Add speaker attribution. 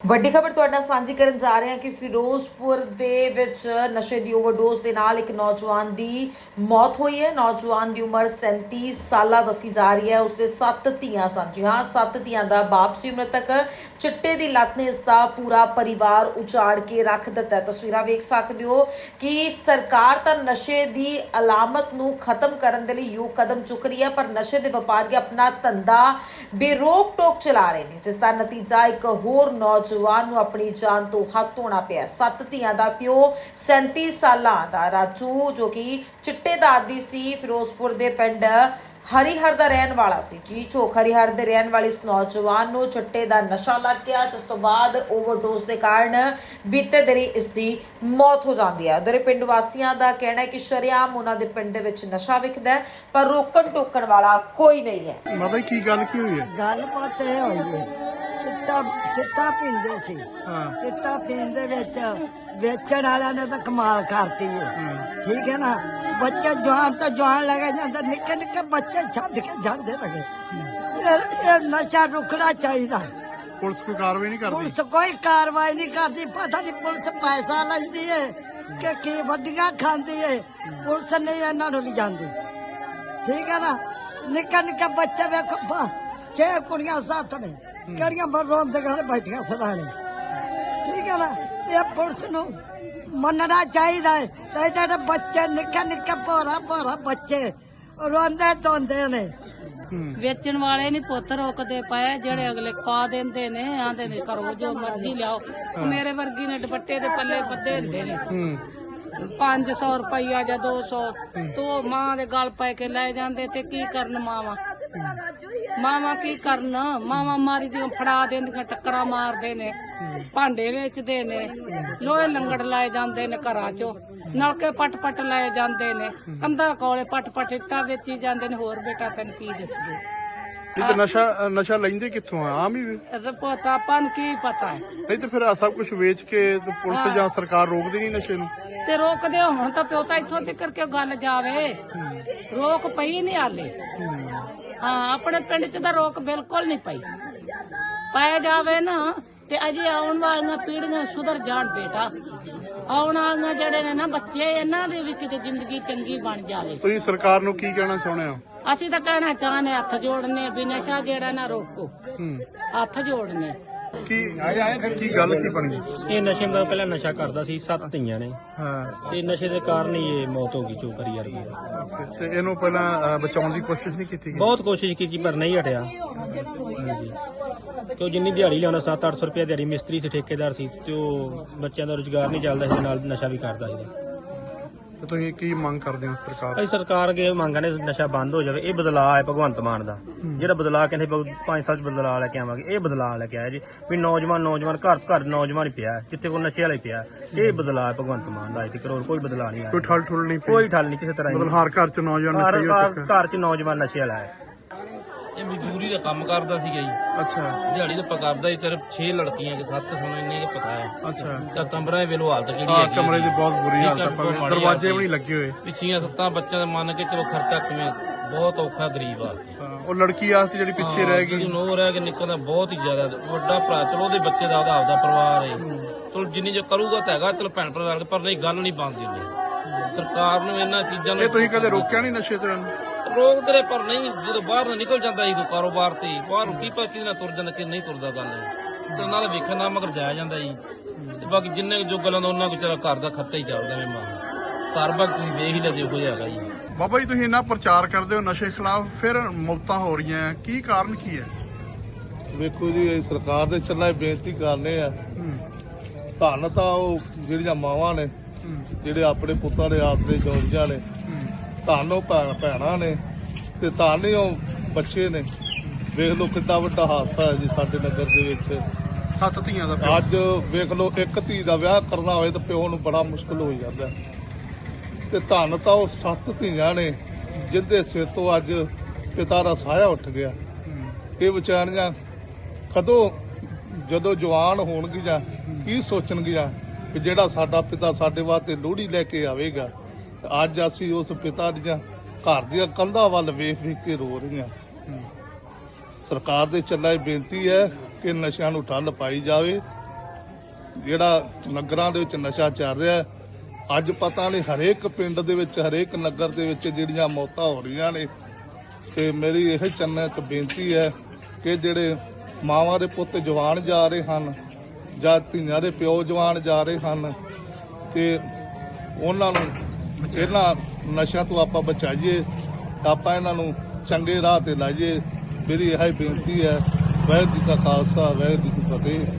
Speaker 1: ਵੱਡੀ ਖਬਰ ਤੁਹਾਡੇ ਨਾਲ ਸਾਂਝੀ ਕਰਨ ਜਾ ਰਹੇ ਹਾਂ ਕਿ ਫਿਰੋਜ਼ਪੁਰ ਦੇ ਵਿੱਚ ਨਸ਼ੇ ਦੀ ਓਵਰਡੋਜ਼ ਦੇ ਨਾਲ ਇੱਕ ਨੌਜਵਾਨ ਦੀ ਮੌਤ ਹੋਈ ਹੈ। ਨੌਜਵਾਨ ਦੀ ਉਮਰ 37 ਸਾਲਾਂ ਦੱਸੀ ਜਾ ਰਹੀ ਹੈ। ਉਸਦੇ 7 ਧੀਆਂ ਸਨ। ਜੀ ਹਾਂ, 7 ਧੀਆਂ ਦਾ ਬਾਪ ਸੀ ਮ੍ਰਿਤਕ। ਚਿੱਟੇ ਦੀ ਲੱਤ ਨੇ ਇਸ ਦਾ ਪੂਰਾ ਪਰਿਵਾਰ ਉਜਾੜ ਕੇ ਰੱਖ ਦਿੱਤਾ। ਤਸਵੀਰਾਂ ਵੇਖ ਸਕਦੇ ਹੋ ਕਿ ਸਰਕਾਰ ਤਾਂ ਨਸ਼ੇ ਦੀ ਅਲਾਮਤ ਨੂੰ ਖਤਮ ਕਰਨ ਦੇ ਲਈ ਯੋਗ ਕਦਮ ਚੁੱਕ ਰਹੀ ਹੈ, ਪਰ ਨਸ਼ੇ ਦੇ ਵਪਾਰੀ ਆਪਣਾ ਧੰਦਾ ਬੇਰੋਕ ਟੋਕ ਚਲਾ ਰਹੇ ਨੇ, ਜਿਸ ਦਾ ਨਤੀਜਾ ਇੱਕ ਹੋਰ ਨੌਜਵਾਨ ਨੂੰ ਆਪਣੀ ਜਾਨ ਤੋਂ ਹੱਥ ਧੋਣਾ ਪਿਆ। 7 ਧੀਆਂ ਦਾ ਪਿਓ 37 ਸਾਲਾਂ ਦਾ ਰਾਜੂ, ਜੋ ਕਿ ਚਿੱਟੇ ਦਾ ਆਦੀ ਸੀ, ਫਿਰੋਜ਼ਪੁਰ ਦੇ ਪਿੰਡ ਹਰੀਹਰ ਦਾ ਰਹਿਣ ਵਾਲਾ ਸੀ। ਜੀ ਝੋਕ ਹਰੀਹਰ ਦੇ ਰਹਿਣ ਵਾਲੇ ਇਸ ਨੌਜਵਾਨ ਨੂੰ ਚਿੱਟੇ ਦਾ ਨਸ਼ਾ ਲੱਗ ਗਿਆ, ਜਿਸ ਤੋਂ ਬਾਅਦ ਓਵਰਡੋਜ਼ ਦੇ ਕਾਰਨ ਬੀਤੇ ਦਿਨੀ ਇਸ ਦੀ ਮੌਤ ਹੋ ਜਾਂਦੀ ਹੈ। ਉਧਰ ਪਿੰਡ ਵਾਸੀਆਂ ਦਾ ਕਹਿਣਾ ਹੈ ਕਿ ਸ਼ਰੇਆਮ ਉਹਨਾਂ ਦੇ ਪਿੰਡ ਦੇ ਵਿੱਚ ਨਸ਼ਾ ਵਿਕਦਾ ਹੈ, ਪਰ ਰੋਕਣ ਟੋਕਣ ਵਾਲਾ ਕੋਈ ਨਹੀਂ ਹੈ।
Speaker 2: ਮਤਲਬ ਕੀ ਗੱਲ ਕੀ ਹੋਈ ਹੈ?
Speaker 3: ਗੱਲਬਾਤ ਇਹ ਹੋਈ ਹੈ, ਚਿੱਟਾ ਪੀਂਦੇ ਸੀ। ਚਿੱਟਾ ਪੀਣ ਦੇ ਵਿੱਚ ਵੇਚਣ ਵਾਲਿਆਂ ਨੇ ਤਾਂ ਕਮਾਲ ਕਰਤੀ ਹੈ। ਠੀਕ ਹੈ ਨਾ, ਬੱਚੇ ਜਵਾਨ ਤਾਂ ਜਵਾਨ ਲੱਗੇ ਜਾਂਦੇ, ਨਿੱਕੇ ਨਿੱਕੇ ਬੱਚੇ ਛੱਡ ਕੇ ਜਾਂਦੇ ਲਗੇ। ਇਹ ਨਸ਼ਾ ਰੁਕਣਾ ਚਾਹੀਦਾ।
Speaker 2: ਪੁਲਿਸ ਕੋਈ ਕਾਰਵਾਈ ਨਹੀਂ ਕਰਦੀ?
Speaker 3: ਪੁਲਿਸ ਕੋਈ ਕਾਰਵਾਈ ਨਹੀਂ ਕਰਦੀ। ਪਤਾ ਨਹੀਂ ਪੁਲਿਸ ਪੈਸਾ ਲੈਂਦੀ ਹੈ ਕਿ ਕੀ ਵੱਡੀਆਂ ਖਾਂਦੀ ਹੈ। ਪੁਲਿਸ ਨਹੀਂ ਇਹਨਾਂ ਨੂੰ ਲਿਜਾਂਦੀ। ਠੀਕ ਹੈ ਨਾ, ਨਿੱਕੇ ਨਿੱਕੇ ਬੱਚੇ ਵੇਖੋ, 6 ਕੁੜੀਆਂ 7 ਨੇ, ਕਿਹੜੀਆਂ ਬਰੋਂ ਦੇ ਘਰ ਬੈਠੀਆਂ ਸਦਾਣੇ। ਠੀਕ ਹੈ ਨਾ, ਇਹ ਪੁਲਿਸ ਨੂੰ ਮੰਨਣਾ ਚਾਹੀਦਾ ਹੈ। ਤੇ ਜਿਹੜੇ ਬੱਚੇ ਨਿੱਕੇ ਨਿੱਕੇ ਭੋਰਾ ਬੱਚੇ ਰੋਂਦੇ ਧੋਂਦੇ ਨੇ।
Speaker 4: ਵੇਚਣ ਵਾਲੇ ਨਹੀਂ ਪੁੱਤ ਰੋਕਦੇ ਪਏ, ਜਿਹੜੇ ਅਗਲੇ ਖਵਾ ਦਿੰਦੇ ਨੇ, ਆਂਦੇ ਨੇ ਕਰੋ ਜੋ ਮਰਜ਼ੀ ਲਿਆਓ। ਮੇਰੇ ਵਰਗੀ ਨੇ ਦੁਪੱਟੇ ਦੇ ਪੱਲੇ ਬੱਦੇ ਹੁੰਦੇ ਨੇ, 500 ਰੁਪਈਆ ਜਾਂ 200 ਤੋਂ ਮਾਂ ਦੇ ਗਲ ਪੈ ਕੇ ਲੈ ਜਾਂਦੇ। ਤੇ ਕੀ ਕਰਨ ਮਾਵਾਂ ਕੀ ਕਰਨ? ਮਾਵਾਂ ਮਾਰੀ ਦੀਆਂ ਫੜਾ ਦਿੰਦੀਆਂ, ਟੱਕਰਾਂ ਮਾਰਦੇ ਨੇ, ਭਾਂਡੇ ਵੇਚਦੇ ਨੇ, ਲੋਹੇ ਲੰਗੜ ਲਾਏ ਜਾਂਦੇ ਨੇ ਘਰਾਂ ਚੋਂ, ਨਲਕੇ ਪਟ ਲਾਏ ਜਾਂਦੇ ਨੇ, ਕੰਧਾਂ ਕੋਲੇ ਪਟ ਇੱਟਾਂ ਵੇਚੀ ਜਾਂਦੇ ਨੇ। ਹੋਰ ਬੇਟਾ ਤੈਨੂੰ ਕੀ ਦੱਸਦੇ?
Speaker 2: ਨਸ਼ਾ ਲੈਂਦੇ ਕਿੱਥੋਂ ਆ? ਆਮ ਹੀ
Speaker 4: ਪਤਾ ਆਪਾਂ ਨੂੰ ਕੀ ਪਤਾ ਹੈ?
Speaker 2: ਨਹੀਂ ਤੇ ਫਿਰ ਆਹ ਸਭ ਕੁਝ ਵੇਚ ਕੇ ਤੇ ਪੁਲਿਸ ਜਾਂ ਸਰਕਾਰ ਰੋਕਦੀ ਨਹੀਂ ਨਸ਼ੇ ਨੂੰ?
Speaker 4: ਤੇ ਰੋਕਦੇ ਹੁਣ ਤਾਂ ਪਿਓ ਤਾਂ ਇੱਥੋਂ ਤੱਕ ਕਿ ਗੱਲ ਜਾਵੇ, ਰੋਕ ਪਈ ਨਹੀਂ ਹਾਲੇ। ਹਾਂ, ਆਪਣੇ ਪਿੰਡ 'ਚ ਤਾਂ ਰੋਕ ਬਿਲਕੁਲ ਨਹੀਂ ਪਈ। ਪਾਇਆ ਜਾਵੇ ਨਾ ਤੇ ਅਜੇ ਆਉਣ ਵਾਲੀਆਂ ਪੀੜ੍ਹੀਆਂ ਸੁਧਰ ਜਾਣ ਬੇਟਾ। ਆਉਣ ਵਾਲੀਆਂ ਜਿਹੜੇ ਨੇ ਨਾ ਬੱਚੇ, ਇਹਨਾਂ ਦੀ ਵੀ ਕਿਤੇ ਜ਼ਿੰਦਗੀ ਚੰਗੀ ਬਣ ਜਾਵੇ।
Speaker 2: ਤੁਸੀਂ ਸਰਕਾਰ ਨੂੰ ਕੀ ਕਹਿਣਾ ਚਾਹੁੰਦੇ ਹੋ?
Speaker 4: ਅਸੀਂ ਤਾਂ ਕਹਿਣਾ ਚਾਹੁੰਦੇ, ਹੱਥ ਜੋੜਨੇ ਵੀ ਨਸ਼ਾ ਜਿਹੜਾ ਨਾ ਰੋਕੋ, ਹੱਥ ਜੋੜਨੇ।
Speaker 2: ਕੀ ਗੱਲ ਕੀ ਬਣੀ?
Speaker 5: ਇਹ ਨਸ਼ੇ ਦਾ ਪਹਿਲਾਂ ਨਸ਼ਾ ਕਰਦਾ ਸੀ, 7 ਧੀਆਂ ਨੇ। ਤੇ ਨਸ਼ੇ ਦੇ ਕਾਰਨ ਹੀ ਇਹ ਮੌਤ ਹੋ ਗਈ ਚੋਕਰੀ ਯਾਰ ਦੀ।
Speaker 2: ਤੇ ਇਹਨੂੰ ਪਹਿਲਾਂ ਬਚਾਉਣ ਦੀ ਕੋਸ਼ਿਸ਼ ਨਹੀਂ ਕੀਤੀ ਗਈ?
Speaker 5: ਬਹੁਤ ਕੋਸ਼ਿਸ਼ ਕੀਤੀ ਪਰ ਨਹੀਂ ਹਟਿਆ। ਹਾਂਜੀ, ਕਿਉਂ ਜਿੰਨੀ ਦਿਹਾੜੀ ਲਿਆਉਂਦਾ 700-800 ਰੁਪਏ ਦਿਹਾੜੀ, ਮਿਸਤਰੀ ਸੀ, ਠੇਕੇਦਾਰ ਸੀ, ਤੇ ਉਹ ਬੱਚਿਆਂ ਦਾ ਰੁਜ਼ਗਾਰ ਨਹੀਂ ਚੱਲਦਾ ਸੀ, ਨਾਲ ਨਸ਼ਾ ਵੀ ਕਰਦਾ ਸੀ।
Speaker 2: ਤੇ ਤੁਸੀਂ ਕੀ ਮੰਗ ਕਰਦੇ ਹੋ ਸਰਕਾਰ?
Speaker 5: ਅਸੀਂ ਸਰਕਾਰ ਅੱਗੇ ਮੰਗਾਂ ਨੇ ਨਸ਼ਾ ਬੰਦ ਹੋ ਜਾਵੇ। ਇਹ ਬਦਲਾਅ ਹੈ ਭਗਵੰਤ ਮਾਨ ਦਾ, ਜਿਹੜਾ ਬਦਲਾਅ ਕਹਿੰਦੇ 5 ਸਾਲ ਚ ਬਦਲਾਅ ਲੈ ਕੇ ਆਵਾਂਗੇ। ਇਹ ਬਦਲਾਅ ਲੈ ਕੇ ਆਇਆ ਜੀ, ਵੀ ਨੌਜਵਾਨ ਘਰ ਨੌਜਵਾਨ ਹੀ ਪਿਆ, ਜਿੱਥੇ ਕੋਈ ਨਸ਼ੇ ਵਾਲਾ ਹੀ ਪਿਆ। ਇਹ ਬਦਲਾਅ ਭਗਵੰਤ ਮਾਨ ਦਾ, ਅਜੇ ਤੱਕ ਕੋਈ ਬਦਲਾਅ ਨਹੀਂ ਆਇਆ।
Speaker 2: ਕੋਈ ਠੱਲ ਨਹੀਂ?
Speaker 5: ਕੋਈ ਠੱਲ ਨਹੀਂ ਕਿਸੇ ਤਰ੍ਹਾਂ।
Speaker 2: ਮਤਲਬ ਹਰ ਘਰ ਚ ਨੌਜਵਾਨ
Speaker 5: ਘਰ ਚ ਨੌਜਵਾਨ ਨਸ਼ੇ ਵਾਲਾ ਹੈ।
Speaker 6: ਇਹ ਮਜ਼ਦੂਰੀ ਦਾ ਕੰਮ ਕਰਦਾ ਸੀਗਾ ਜੀ।
Speaker 2: ਅੱਛਾ,
Speaker 6: ਦਿਹਾੜੀ ਤਾਂ ਪਕਾਉਂਦਾ ਹੀ। ਸਿਰਫ 6 ਲੜਕੀਆਂ ਕਿ 7 ਸਾਨੂੰ ਇੰਨੇ ਕੁ ਪਤਾ ਹੈ।
Speaker 2: ਅੱਛਾ।
Speaker 6: ਤਾਂ ਕਮਰਾ ਵੇਲੋ ਹਾਲਤ ਕਿਹੜੀ
Speaker 2: ਹਾਂ,
Speaker 6: ਹੈਗੀ?
Speaker 2: ਕਮਰੇ ਦੀ ਬਹੁਤ ਬੁਰੀ ਹਾਲਤ ਹੈ,
Speaker 6: ਮਾੜੀ
Speaker 2: ਦਰਵਾਜ਼ੇ
Speaker 6: ਹਾਲਤ
Speaker 2: ਵੀ ਨਹੀਂ ਲੱਗੇ ਹੋਏ।
Speaker 6: ਪਿੱਛੀਆਂ 7 ਬੱਚਿਆਂ ਦਾ ਮੰਨ ਕੇ ਚਲੋ ਖਰਚਾ ਕਿਵੇਂ, ਬਹੁਤ ਔਖਾ ਗਰੀਬ ਆ।
Speaker 2: ਉਹ ਲੜਕੀ ਵਾਸਤੇ ਜਿਹੜੀ ਪਿੱਛੇ ਰਹਿ ਗਈ,
Speaker 6: ਨੋ ਰਹਿ ਕੇ ਨਿਕਲਦਾ ਬਹੁਤ ਹੀ ਜ਼ਿਆਦਾ। ਵੱਡਾ ਭਰਾ ਚਲੋ ਉਹਦੇ ਬੱਚੇ ਦਾ ਆਪਦਾ ਪਰਿਵਾਰ ਹੈ, ਚਲੋ ਜਿੰਨੀ ਜੋ ਕਰੂਗਾ ਤਾਂ ਹੈਗਾ, ਚਲੋ ਭੈਣ ਭਰਾ, ਪਰ ਨਹੀਂ ਗੱਲ ਨਹੀਂ ਬਣਦੀ ਹੁੰਦੀ। ਸਰਕਾਰ ਨੂੰ ਇਹਨਾਂ ਚੀਜ਼ਾਂ ਨੂੰ
Speaker 2: ਇਹ ਤੁਸੀਂ ਕਦੇ ਰੋਕਿਆ ਨਹੀਂ ਨਸ਼ੇ ਤੇ?
Speaker 6: ਰੋਕ ਤੇਰੇ ਪਰ ਨਹੀਂ, ਜਦੋਂ ਬਾਹਰ ਨਾ ਨਿਕਲ ਜਾਂਦਾ ਸੀ ਕਾਰੋਬਾਰ ਤੇ, ਬਾਹਰ ਕੀ ਪਤਾ ਕਿਹਦੇ ਨਾਲ ਤੁਰ ਜਾਂਦਾ ਕਿ ਨਹੀਂ ਤੁਰਦਾ। ਗੱਲ ਤੇ ਨਾਲ ਵੇਖਣ ਨਾਲ ਮਗਰ ਜਾਇਆ ਜਾਂਦਾ ਜੀ। ਤੇ ਬਾਕੀ ਜਿੰਨੇ ਜੋ ਗੱਲਾਂ ਦਾ ਉਹਨਾਂ ਕੁ ਚਲਾ ਘਰ ਦਾ ਖਰਚਾ ਹੀ ਚੱਲਦਾ। ਮੈਂ ਘਰ ਬਾਗ ਤੁਸੀਂ ਵੇਖ ਹੀ ਲੈ ਕੋਈ ਹੈਗਾ ਜੀ।
Speaker 2: ਬਾਬਾ ਜੀ, ਤੁਸੀਂ ਇੰਨਾ ਪ੍ਰਚਾਰ ਕਰਦੇ ਹੋ ਨਸ਼ੇ ਖਿਲਾਫ, ਫਿਰ ਮੌਤਾਂ ਹੋ ਰਹੀਆਂ, ਕੀ ਕਾਰਨ ਕੀ ਹੈ?
Speaker 7: ਵੇਖੋ ਜੀ, ਸਰਕਾਰ ਦੇ ਚੱਲਾ ਬੇਨਤੀ ਕਰਨੇ ਆ। ਧੰਨ ਤਾਂ ਉਹ ਜਿਹੜੀਆਂ ਮਾਵਾਂ ਨੇ, ਜਿਹੜੇ ਆਪਣੇ ਪੁੱਤਾਂ ਦੇ ਆਸਰੇ ਜੋੜੀਆਂ ਨੇ, ਧੰਨ ਉਹ ਭੈਣਾਂ ਨੇ, ਤੇ ਧੰਨ ਹੀ ਉਹ ਬੱਚੇ ਨੇ। ਵੇਖ ਲਓ ਕਿੰਨਾ ਵੱਡਾ ਹਾਦਸਾ ਹੈ ਜੀ ਸਾਡੇ ਨਗਰ ਦੇ ਵਿੱਚ।
Speaker 2: 7 ਧੀਆਂ ਦਾ
Speaker 7: ਅੱਜ ਵੇਖ ਲਓ, ਇੱਕ ਧੀ ਦਾ ਵਿਆਹ ਕਰਨਾ ਹੋਵੇ ਤਾਂ ਪਿਓ ਨੂੰ ਬੜਾ ਮੁਸ਼ਕਲ ਹੋ ਜਾਂਦਾ। ਤੇ ਧੰਨ ਤਾਂ ਉਹ 7 ਧੀਆਂ ਨੇ ਜਿੰਦੇ ਸਿਰ ਤੋਂ ਅੱਜ ਪਿਤਾ ਦਾ ਸਾਇਆ ਉੱਠ ਗਿਆ। ਇਹ ਵਿਚਾਰੀਆਂ ਕਦੋਂ ਜਦੋਂ ਜਵਾਨ ਹੋਣਗੀਆਂ ਕੀ ਸੋਚਣਗੀਆਂ ਕਿ ਜਿਹੜਾ ਸਾਡਾ ਪਿਤਾ ਸਾਡੇ ਵਾਸਤੇ ਲੋਹੜੀ ਲੈ ਕੇ ਆਵੇਗਾ। ਅੱਜ ਅਸੀਂ ਉਸ ਪਿਤਾ ਦੀਆਂ ਘਰ ਦੀਆਂ ਕੰਧਾਂ ਵੱਲ ਵੇਖ ਕੇ ਰੋ ਰਹੀਆਂ। ਸਰਕਾਰ ਦੇ ਚੱਲਾ ਇਹ ਬੇਨਤੀ ਹੈ ਕਿ ਨਸ਼ਿਆਂ ਨੂੰ ਠੱਲ ਪਾਈ ਜਾਵੇ ਜਿਹੜਾ ਨਗਰਾਂ ਦੇ ਵਿੱਚ ਨਸ਼ਾ ਚੱਲ ਰਿਹਾ। ਅੱਜ ਪਤਾ ਨਹੀਂ ਹਰੇਕ ਪਿੰਡ ਦੇ ਵਿੱਚ ਹਰੇਕ ਨਗਰ ਦੇ ਵਿੱਚ ਜਿਹੜੀਆਂ ਮੌਤਾਂ ਹੋ ਰਹੀਆਂ ਨੇ। ਤੇ ਮੇਰੀ ਇਹ ਚੰਨਾ ਚ ਬੇਨਤੀ ਹੈ ਕਿ ਜਿਹੜੇ ਮਾਵਾਂ ਦੇ ਪੁੱਤ ਜਵਾਨ ਜਾ ਰਹੇ ਹਨ ਜਾਂ ਧੀਆਂ ਦੇ ਪਿਓ ਜਵਾਨ ਜਾ ਰਹੇ ਹਨ ਤੇ ਉਹਨਾਂ ਨੂੰ ਇਹਨਾਂ ਨਸ਼ਿਆਂ ਤੋਂ ਆਪਾਂ ਬਚਾਈਏ, ਆਪਾਂ ਇਹਨਾਂ ਨੂੰ ਚੰਗੇ ਰਾਹ ਤੇ ਲਾਈਏ। ਮੇਰੀ ਇਹ ਬੇਨਤੀ ਹੈ। ਵਾਹਿਗੁਰੂ ਜੀ ਕਾ ਖਾਲਸਾ, ਵਾਹਿਗੁਰੂ ਜੀ ਕੀ ਫਤਿਹ।